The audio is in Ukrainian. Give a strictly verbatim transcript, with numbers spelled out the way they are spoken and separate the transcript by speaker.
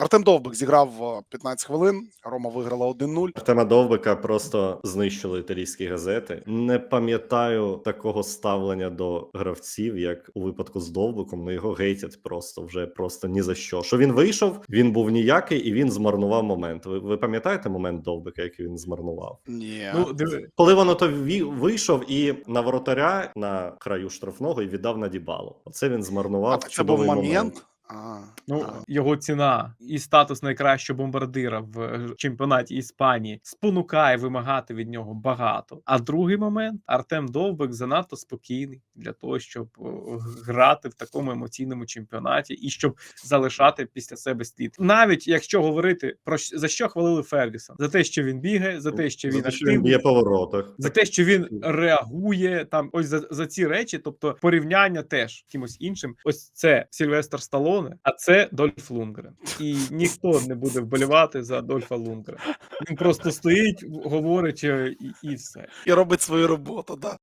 Speaker 1: Артем Довбик зіграв п'ятнадцять хвилин, Рома виграла один нуль.
Speaker 2: Артема Довбика просто знищили італійські газети. Не пам'ятаю такого ставлення до гравців, як у випадку з Довбиком. Ну його гейтять просто вже просто ні за що. Що він вийшов, він був ніякий і він змарнував момент. Ви, ви пам'ятаєте момент Довбика, який він змарнував?
Speaker 1: Ні.
Speaker 3: Ну, диви,
Speaker 2: Коли воно то ві- вийшов і на воротаря на краю штрафного і віддав на Дібалу. Оце він
Speaker 1: А
Speaker 2: змарнував
Speaker 1: так це був
Speaker 2: чудовий
Speaker 1: момент.
Speaker 2: момент.
Speaker 1: А,
Speaker 3: ну
Speaker 1: а.
Speaker 3: його ціна і статус найкращого бомбардира в е, чемпіонаті Іспанії спонукає вимагати від нього багато. А другий момент Артем Довбик занадто спокійний для того, щоб е, грати в такому емоційному чемпіонаті і щоб залишати після себе слід. Навіть якщо говорити про щ- за що хвалили Фергюсон, за те, що він бігає, за те, що він
Speaker 2: За те, що він
Speaker 3: активний,
Speaker 2: б'є по воротах.
Speaker 3: за те, що він реагує там, ось за, за ці речі, тобто порівняння теж кимось іншим. Ось це Сільвестр Сталоне, а це Дольф Лундгрен. І ніхто не буде вболівати за Дольфа Лундгрена. Він просто стоїть, говорить е, і, і все.
Speaker 1: І робить свою роботу, да.